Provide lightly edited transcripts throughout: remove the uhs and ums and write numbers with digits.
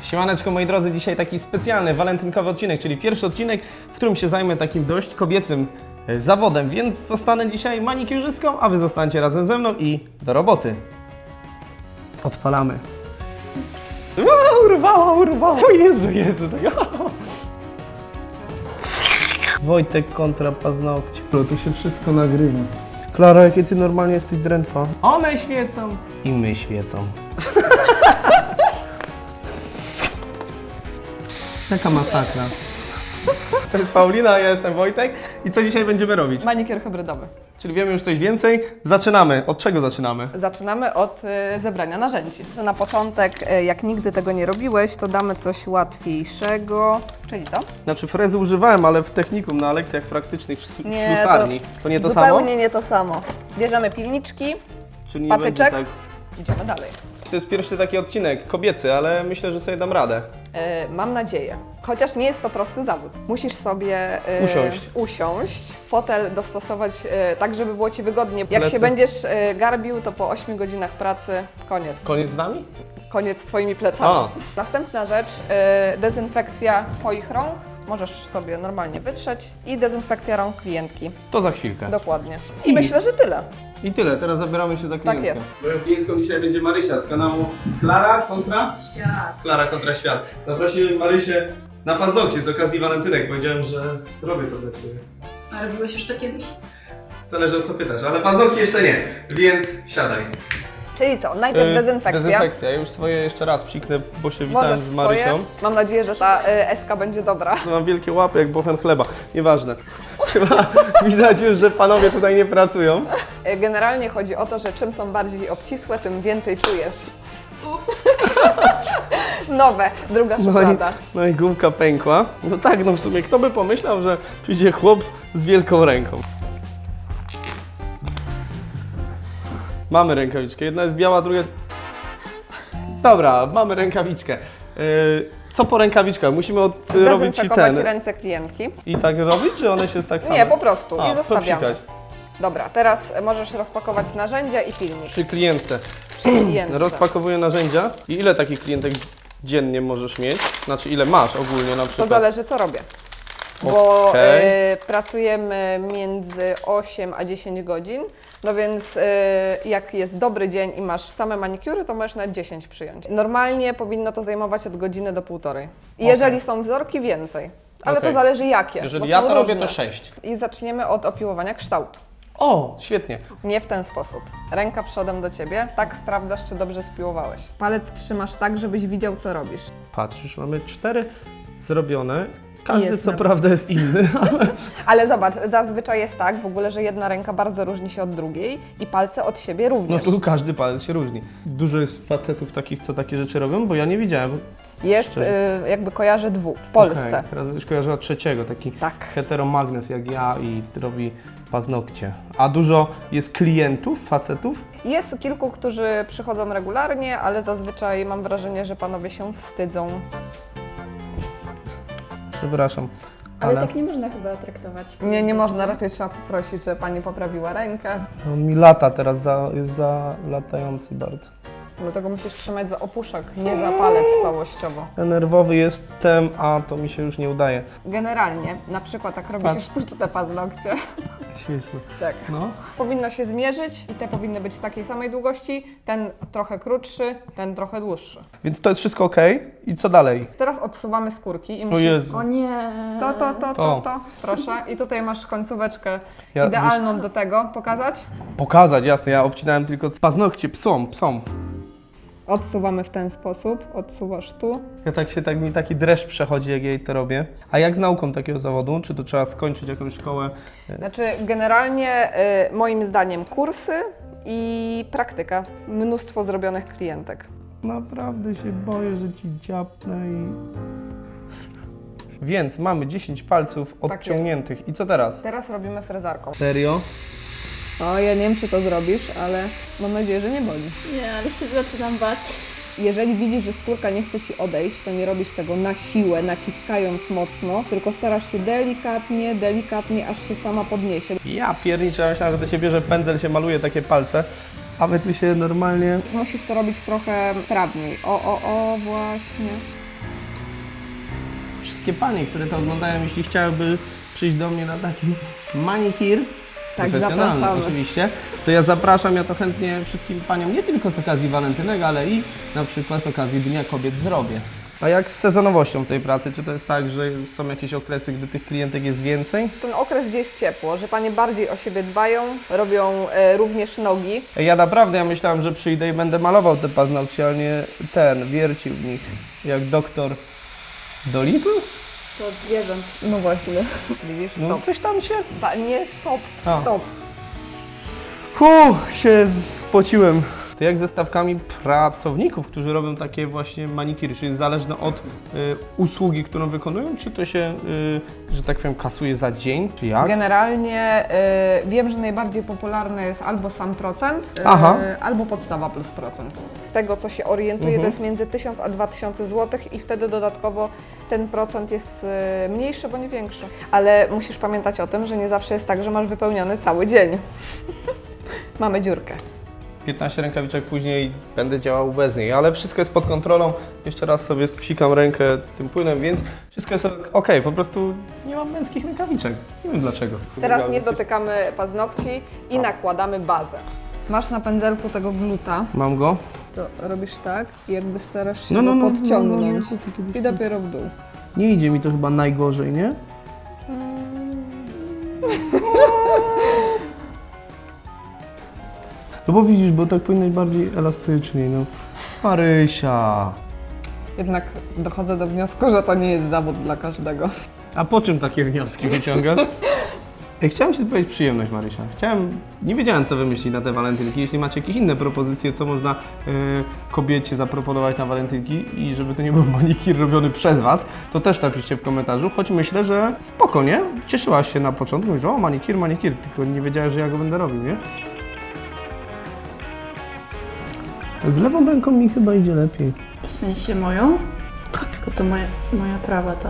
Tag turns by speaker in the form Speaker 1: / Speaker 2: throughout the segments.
Speaker 1: Siemaneczko moi drodzy, dzisiaj taki specjalny walentynkowy odcinek, czyli pierwszy odcinek, w którym się zajmę takim dość kobiecym zawodem, więc zostanę dzisiaj manikiurzystką, a wy zostańcie razem ze mną i do roboty. Odpalamy. Urwało, Jezu. Wojtek kontra paznokcie. To się wszystko nagrywa. Klara, jakie ty normalnie jesteś drętwa. One świecą i my świecą. Jaka masakra. To jest Paulina, a ja jestem Wojtek. I co dzisiaj będziemy robić?
Speaker 2: Manikiur hybrydowy.
Speaker 1: Czyli wiemy już coś więcej. Zaczynamy. Od czego zaczynamy?
Speaker 2: Zaczynamy od zebrania narzędzi. Na początek, jak nigdy tego nie robiłeś, to damy coś łatwiejszego. Czyli to?
Speaker 1: Znaczy frezy używałem, ale w technikum, na lekcjach praktycznych w ślusarni. To nie to samo?
Speaker 2: Zupełnie nie to samo. Bierzemy pilniczki,
Speaker 1: Czyli nie
Speaker 2: patyczek.
Speaker 1: będzie tak...
Speaker 2: Idziemy dalej.
Speaker 1: To jest pierwszy taki odcinek kobiecy, ale myślę, że sobie dam radę.
Speaker 2: Mam nadzieję. Chociaż nie jest to prosty zawód. Musisz sobie usiąść, fotel dostosować tak, żeby było Ci wygodnie. Jak
Speaker 1: Plecy.
Speaker 2: się będziesz garbił, to po 8 godzinach pracy koniec.
Speaker 1: Koniec z nami?
Speaker 2: Koniec z Twoimi plecami.
Speaker 1: A.
Speaker 2: Następna rzecz, dezynfekcja Twoich rąk. Możesz sobie normalnie wytrzeć i dezynfekcja rąk klientki.
Speaker 1: To za chwilkę.
Speaker 2: Dokładnie. I myślę, że tyle.
Speaker 1: I tyle, teraz zabieramy się za klientkę.
Speaker 2: jest.
Speaker 1: Moją klientką dzisiaj będzie Marysia z kanału Klara kontra?
Speaker 3: Świat.
Speaker 1: Klara kontra Świat. Zaprosiłem Marysię na paznokcie z okazji walentynek. Powiedziałem, że zrobię to dla Ciebie.
Speaker 3: A robiłeś już to kiedyś?
Speaker 1: Zależy o co pytasz, ale paznokcie jeszcze nie, więc siadaj.
Speaker 2: Czyli co? Najpierw dezynfekcja.
Speaker 1: Dezynfekcja. Ja już swoje jeszcze raz psiknę, bo się witałem
Speaker 2: Możesz
Speaker 1: z Marysią.
Speaker 2: swoje. Mam nadzieję, że ta eska będzie dobra.
Speaker 1: Mam wielkie łapy jak bochen chleba. Nieważne. Chyba widać już, że panowie tutaj nie pracują.
Speaker 2: Generalnie chodzi o to, że czym są bardziej obcisłe, tym więcej czujesz. Nowe, druga szuflada.
Speaker 1: No i gumka pękła. No tak, no w sumie kto by pomyślał, że przyjdzie chłop z wielką ręką. Mamy rękawiczkę. Jedna jest biała, druga jest... Dobra, mamy rękawiczkę. Co po rękawiczkach? Musimy robić ci
Speaker 2: Dezynfekować
Speaker 1: ten.
Speaker 2: ręce klientki.
Speaker 1: I tak robić, czy one się tak samo?
Speaker 2: Nie, po prostu. I zostawiamy.
Speaker 1: popsikać.
Speaker 2: Dobra, teraz możesz rozpakować narzędzia i pilnik.
Speaker 1: Przy klientce.
Speaker 2: Przy klientce.
Speaker 1: Rozpakowuję narzędzia. I ile takich klientek dziennie możesz mieć? Znaczy ile masz ogólnie na
Speaker 2: To
Speaker 1: przykład?
Speaker 2: zależy co robię. Bo
Speaker 1: Okej.
Speaker 2: pracujemy między 8 a 10 godzin, no więc jak jest dobry dzień i masz same manikiury, to możesz na 10 przyjąć. Normalnie powinno to zajmować od godziny do półtorej. I jeżeli są wzorki, więcej. Ale
Speaker 1: Okej.
Speaker 2: to zależy jakie.
Speaker 1: Jeżeli
Speaker 2: bo
Speaker 1: ja
Speaker 2: są
Speaker 1: to robię,
Speaker 2: różne.
Speaker 1: to 6.
Speaker 2: I zaczniemy od opiłowania kształtu.
Speaker 1: O, świetnie.
Speaker 2: Nie w ten sposób. Ręka przodem do Ciebie, tak sprawdzasz, czy dobrze spiłowałeś. Palec trzymasz tak, żebyś widział, co robisz.
Speaker 1: Patrz, już mamy 4 zrobione. Każdy
Speaker 2: Jest
Speaker 1: co
Speaker 2: na-
Speaker 1: prawda jest inny, ale...
Speaker 2: Ale zobacz, zazwyczaj jest tak w ogóle, że jedna ręka bardzo różni się od drugiej i palce od siebie
Speaker 1: No
Speaker 2: również.
Speaker 1: tu każdy palec się różni. Dużo jest facetów takich, co takie rzeczy robią, bo ja nie widziałem.
Speaker 2: Jest jakby kojarzę dwóch w Polsce.
Speaker 1: Okej, teraz już kojarzyła trzeciego, taki
Speaker 2: Tak.
Speaker 1: heteromagnes jak ja i robi paznokcie. A dużo jest klientów, facetów?
Speaker 2: Jest kilku, którzy przychodzą regularnie, ale zazwyczaj mam wrażenie, że panowie się wstydzą.
Speaker 1: Przepraszam.
Speaker 3: Ale tak nie można chyba traktować.
Speaker 2: Nie można, raczej trzeba poprosić, żeby pani poprawiła rękę.
Speaker 1: No, mi lata teraz, jest za latający bardzo.
Speaker 2: Dlatego musisz trzymać za opuszek, nie za palec całościowo.
Speaker 1: Ja nerwowy jestem, a to mi się już nie udaje.
Speaker 2: Generalnie, na przykład jak robi się
Speaker 1: Patrz.
Speaker 2: sztuczne paznokcie,
Speaker 1: Śmieszne.
Speaker 2: tak.
Speaker 1: No.
Speaker 2: Powinno się zmierzyć i te powinny być takiej samej długości, ten trochę krótszy, ten trochę dłuższy.
Speaker 1: Więc to jest wszystko ok. I co dalej?
Speaker 2: Teraz odsuwamy skórki i
Speaker 1: O
Speaker 2: musimy...
Speaker 1: Jezu.
Speaker 3: O nie.
Speaker 2: To, proszę. I tutaj masz końcóweczkę
Speaker 1: Ja-
Speaker 2: idealną do tego. Pokazać?
Speaker 1: Pokazać, jasne, ja obcinałem tylko paznokcie psom.
Speaker 2: Odsuwamy w ten sposób, odsuwasz tu.
Speaker 1: Mi taki dreszcz przechodzi, jak jej to robię. A jak z nauką takiego zawodu? Czy to trzeba skończyć jakąś szkołę?
Speaker 2: Znaczy generalnie moim zdaniem kursy i praktyka. Mnóstwo zrobionych klientek.
Speaker 1: Naprawdę się boję, że ci dziapnę i... Więc mamy 10 palców odciągniętych. I co teraz?
Speaker 2: Teraz robimy frezarką.
Speaker 1: Serio?
Speaker 2: O, ja nie wiem, czy to zrobisz, ale mam nadzieję, że nie boli.
Speaker 3: Nie, ale się zaczynam bać.
Speaker 2: Jeżeli widzisz, że skórka nie chce Ci odejść, to nie robisz tego na siłę, naciskając mocno, tylko starasz się delikatnie, aż się sama podniesie.
Speaker 1: Ja pierniczę, ja myślałem, że to się bierze pędzel, się maluje takie palce. A my tu się normalnie...
Speaker 2: Musisz to robić trochę sprawniej. O, właśnie.
Speaker 1: wszystkie panie, które to oglądają, jeśli chciałyby przyjść do mnie na taki manikir,
Speaker 2: Tak,
Speaker 1: profesjonalny
Speaker 2: zapraszamy.
Speaker 1: oczywiście, to ja zapraszam, ja to chętnie wszystkim paniom, nie tylko z okazji walentynek, ale i na przykład z okazji Dnia Kobiet zrobię. A jak z sezonowością tej pracy? Czy to jest tak, że są jakieś okresy, gdy tych klientek jest więcej?
Speaker 2: Ten okres, gdzie jest ciepło, że panie bardziej o siebie dbają, robią również nogi.
Speaker 1: Ja naprawdę, ja myślałem, że przyjdę i będę malował te paznokcie, a nie wiercił w nich, jak doktor Dolittle?
Speaker 3: To od zwierząt.
Speaker 2: No właśnie. Widzisz,
Speaker 1: No
Speaker 2: stop.
Speaker 1: coś tam się...
Speaker 2: Nie, stop,
Speaker 1: A.
Speaker 2: stop.
Speaker 1: Się spociłem. To jak ze stawkami pracowników, którzy robią takie właśnie manikiry? Czy jest zależne od usługi, którą wykonują, czy to się, że tak powiem, kasuje za dzień, czy jak?
Speaker 2: Generalnie wiem, że najbardziej popularny jest albo sam procent,
Speaker 1: Aha.
Speaker 2: albo podstawa plus procent. Z tego, co się orientuję, to jest między 1000 a 2000 zł i wtedy dodatkowo ten procent jest mniejszy bądź większy. Ale musisz pamiętać o tym, że nie zawsze jest tak, że masz wypełniony cały dzień. Mamy dziurkę.
Speaker 1: 15 rękawiczek później będę działał bez niej, ale wszystko jest pod kontrolą. Jeszcze raz sobie spsikam rękę tym płynem, więc wszystko jest ok. Po prostu nie mam męskich rękawiczek. Nie wiem dlaczego.
Speaker 2: Teraz nie dotykamy paznokci i nakładamy bazę. Masz na pędzelku tego gluta,
Speaker 1: Mam go.
Speaker 2: to robisz tak i jakby starasz się
Speaker 1: No,
Speaker 2: go
Speaker 1: no, no,
Speaker 2: podciągnąć
Speaker 1: no, no, no,
Speaker 2: i dopiero w dół.
Speaker 1: Nie idzie mi to chyba najgorzej, nie? No bo widzisz, bo tak powinno być bardziej elastycznie, no. Marysia.
Speaker 2: Jednak dochodzę do wniosku, że to nie jest zawód dla każdego.
Speaker 1: A po czym takie wnioski wyciągasz? Ja chciałem Ci powiedzieć przyjemność, Marysia. Nie wiedziałem, co wymyślić na te walentynki. Jeśli macie jakieś inne propozycje, co można kobiecie zaproponować na walentynki i żeby to nie był manikir robiony przez Was, to też napiszcie w komentarzu, choć myślę, że spoko, nie? Cieszyłaś się na początku, mówisz, o manikir, tylko nie wiedziałeś, że ja go będę robił, nie? Z lewą ręką mi chyba idzie lepiej.
Speaker 3: W sensie moją? Tak. Bo to moja prawa ta.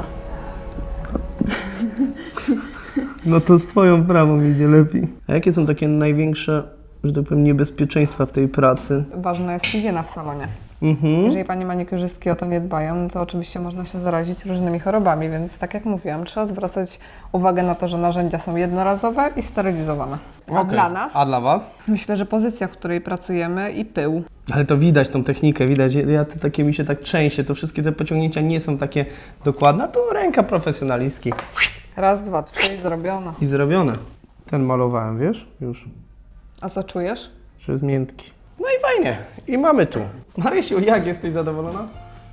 Speaker 1: No to z Twoją prawą idzie lepiej. A jakie są takie największe, że tak powiem, niebezpieczeństwa w tej pracy?
Speaker 2: Ważna jest higiena w salonie.
Speaker 1: Mhm.
Speaker 2: Jeżeli panie manikurzystki o to nie dbają, no to oczywiście można się zarazić różnymi chorobami, więc tak jak mówiłam, trzeba zwracać uwagę na to, że narzędzia są jednorazowe i sterylizowane. A
Speaker 1: Okej.
Speaker 2: dla nas,
Speaker 1: A dla Was?
Speaker 2: myślę, że pozycja, w której pracujemy i pył.
Speaker 1: Ale to widać tą technikę, widać, to takie mi się tak trzęsie, to wszystkie te pociągnięcia nie są takie dokładne, a to ręka profesjonalistki.
Speaker 2: Raz, dwa, trzy i zrobione.
Speaker 1: I zrobione. Ten malowałem, wiesz? Już,
Speaker 2: A co czujesz?
Speaker 1: że jest miętki. No i fajnie. I mamy tu. Marysiu, jak jesteś zadowolona?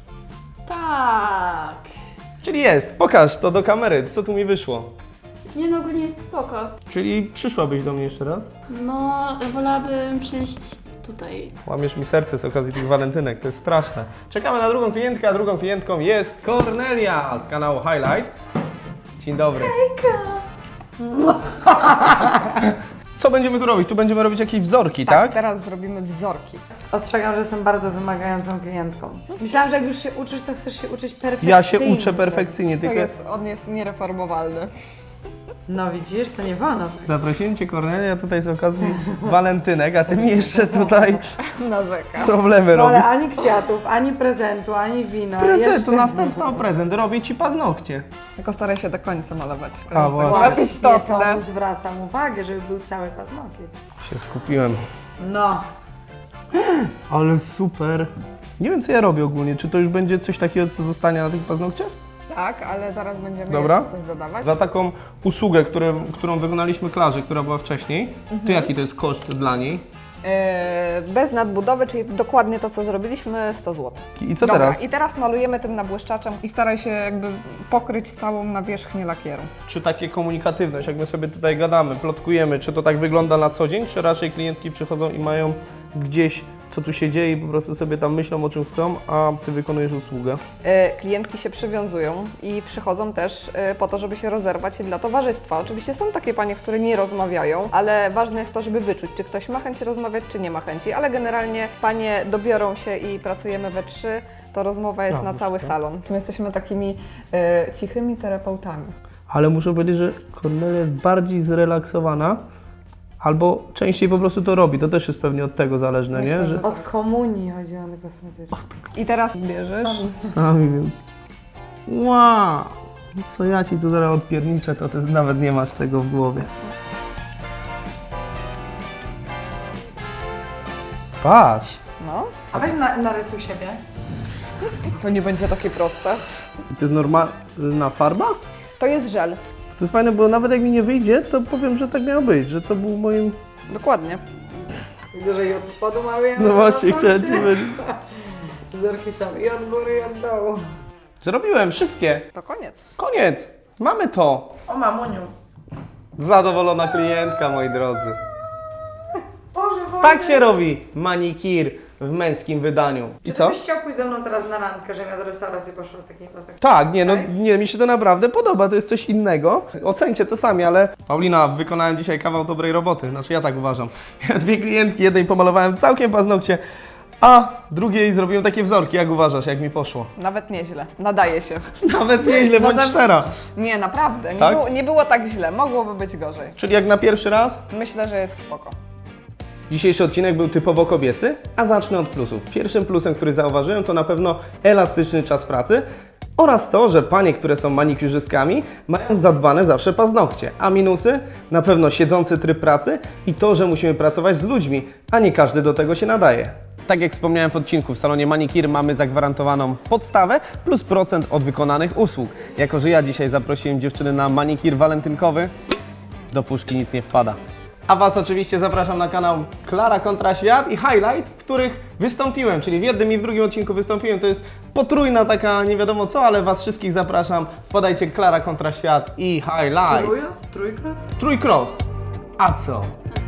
Speaker 3: Tak.
Speaker 1: Czyli jest. Pokaż to do kamery, co tu mi wyszło.
Speaker 3: Nie no, ogólnie jest spoko.
Speaker 1: Czyli przyszłabyś do mnie jeszcze raz?
Speaker 3: No, wolałabym przyjść tutaj.
Speaker 1: Łamiesz mi serce z okazji tych walentynek, to jest straszne. Czekamy na drugą klientkę, a drugą klientką jest Kornelia z kanału Highlight. Dzień dobry. Co będziemy tu robić? Tu będziemy robić jakieś wzorki, tak?
Speaker 2: Teraz zrobimy wzorki.
Speaker 4: Ostrzegam, że jestem bardzo wymagającą klientką. Myślałam, że jak już się uczysz, to chcesz się uczyć perfekcyjnie.
Speaker 1: Ja się uczę perfekcyjnie, tylko
Speaker 2: On jest niereformowalny.
Speaker 4: No widzisz, to nie wolno.
Speaker 1: zaprosiłem Cię, Kornelia, tutaj z okazji walentynek, a Ty mi jeszcze tutaj
Speaker 2: Narzeka.
Speaker 1: problemy
Speaker 4: No, ale
Speaker 1: robisz.
Speaker 4: ani kwiatów, ani prezentu, ani wina.
Speaker 1: Prezentu,
Speaker 4: Jeszcze-
Speaker 1: następny prezent, robię Ci paznokcie.
Speaker 2: Tylko staraj się do końca malować. To
Speaker 1: A,
Speaker 2: jest
Speaker 1: właśnie.
Speaker 2: tak
Speaker 4: Właśnie
Speaker 2: istotne.
Speaker 4: to zwracam uwagę, żeby był cały paznokieć.
Speaker 1: Się skupiłem.
Speaker 4: No,
Speaker 1: Ale super. Nie wiem, co ja robię ogólnie. Czy to już będzie coś takiego, co zostanie na tych paznokciach?
Speaker 2: Tak, ale zaraz będziemy
Speaker 1: Dobra.
Speaker 2: jeszcze coś dodawać.
Speaker 1: Za taką usługę, którą wykonaliśmy Klarze, która była wcześniej, to jaki to jest koszt dla niej?
Speaker 2: Bez nadbudowy, czyli dokładnie to, co zrobiliśmy, 100 zł.
Speaker 1: I co
Speaker 2: Dobra,
Speaker 1: teraz?
Speaker 2: i teraz malujemy tym nabłyszczaczem i staraj się jakby pokryć całą nawierzchnię lakieru.
Speaker 1: Czy takie komunikatywność, jak my sobie tutaj gadamy, plotkujemy, czy to tak wygląda na co dzień, czy raczej klientki przychodzą i mają gdzieś, co tu się dzieje i po prostu sobie tam myślą, o czym chcą, a Ty wykonujesz usługę?
Speaker 2: Klientki się przywiązują i przychodzą też po to, żeby się rozerwać dla towarzystwa. Oczywiście są takie panie, które nie rozmawiają, ale ważne jest to, żeby wyczuć, czy ktoś ma chęć rozmawiać, czy nie ma chęci, ale generalnie panie dobiorą się i pracujemy we trzy, to rozmowa jest
Speaker 1: A,
Speaker 2: na
Speaker 1: już
Speaker 2: cały
Speaker 1: tak.
Speaker 2: salon. My jesteśmy takimi cichymi terapeutami.
Speaker 1: Ale muszę powiedzieć, że Kornelia jest bardziej zrelaksowana, albo częściej po prostu to robi. To też jest pewnie od tego zależne,
Speaker 2: Myślę,
Speaker 1: nie?
Speaker 2: że
Speaker 1: Że
Speaker 4: od komunii chodzi o kosmetyczne.
Speaker 2: I teraz bierzesz
Speaker 1: sami, więc... Wow! Co ja ci tu zaraz odpierniczę, to ty nawet nie masz tego w głowie. Patrz!
Speaker 2: No,
Speaker 4: A weź narysuj siebie.
Speaker 2: to nie będzie takie proste.
Speaker 1: To jest normalna farba?
Speaker 2: To jest żel.
Speaker 1: To jest fajne, bo nawet jak mi nie wyjdzie, to powiem, że tak miało być, że to był moim...
Speaker 2: Dokładnie.
Speaker 4: Widzę, że i od spodu mały.
Speaker 1: No właśnie, chciałem ci powiedzieć.
Speaker 4: Wzorki są i od góry, i od dołu.
Speaker 1: Zrobiłem wszystkie.
Speaker 2: To koniec.
Speaker 1: Koniec! Mamy to!
Speaker 4: O mamuniu.
Speaker 1: Zadowolona klientka, moi drodzy.
Speaker 4: Boże, Boże.
Speaker 1: Tak się robi manikir w męskim wydaniu. I
Speaker 4: Czy
Speaker 1: co?
Speaker 4: byś chciał pójść ze mną teraz na randkę, żebym ja do restauracji poszła z takim paznokciem?
Speaker 1: Tak, nie, no
Speaker 4: Tak?
Speaker 1: nie, mi się to naprawdę podoba, to jest coś innego. Ocencie to sami, ale Paulina, wykonałem dzisiaj kawał dobrej roboty, znaczy ja tak uważam. Ja 2 klientki, jednej pomalowałem całkiem paznokcie, a drugiej zrobiłem takie wzorki. Jak uważasz, jak mi poszło?
Speaker 2: Nawet nieźle. Nadaje się.
Speaker 1: Nawet nieźle, bądź
Speaker 2: Może-
Speaker 1: szczera.
Speaker 2: Nie, naprawdę.
Speaker 1: Tak?
Speaker 2: Nie było tak źle. Mogłoby być gorzej.
Speaker 1: Czyli jak na pierwszy raz?
Speaker 2: Myślę, że jest spoko.
Speaker 1: Dzisiejszy odcinek był typowo kobiecy, a zacznę od plusów. Pierwszym plusem, który zauważyłem, to na pewno elastyczny czas pracy oraz to, że panie, które są manikiurzystkami, mają zadbane zawsze paznokcie. A minusy? Na pewno siedzący tryb pracy i to, że musimy pracować z ludźmi, a nie każdy do tego się nadaje. Tak jak wspomniałem w odcinku, w salonie Manikir mamy zagwarantowaną podstawę plus procent od wykonanych usług. Jako że ja dzisiaj zaprosiłem dziewczyny na manikir walentynkowy, do puszki nic nie wpada. A Was oczywiście zapraszam na kanał Klara kontra Świat i Highlight, w których wystąpiłem, czyli w jednym i w drugim odcinku wystąpiłem. To jest potrójna taka nie wiadomo co, ale Was wszystkich zapraszam. Podajcie Klara kontra Świat i Highlight.
Speaker 4: Trójkros?
Speaker 1: Trójkros. A co?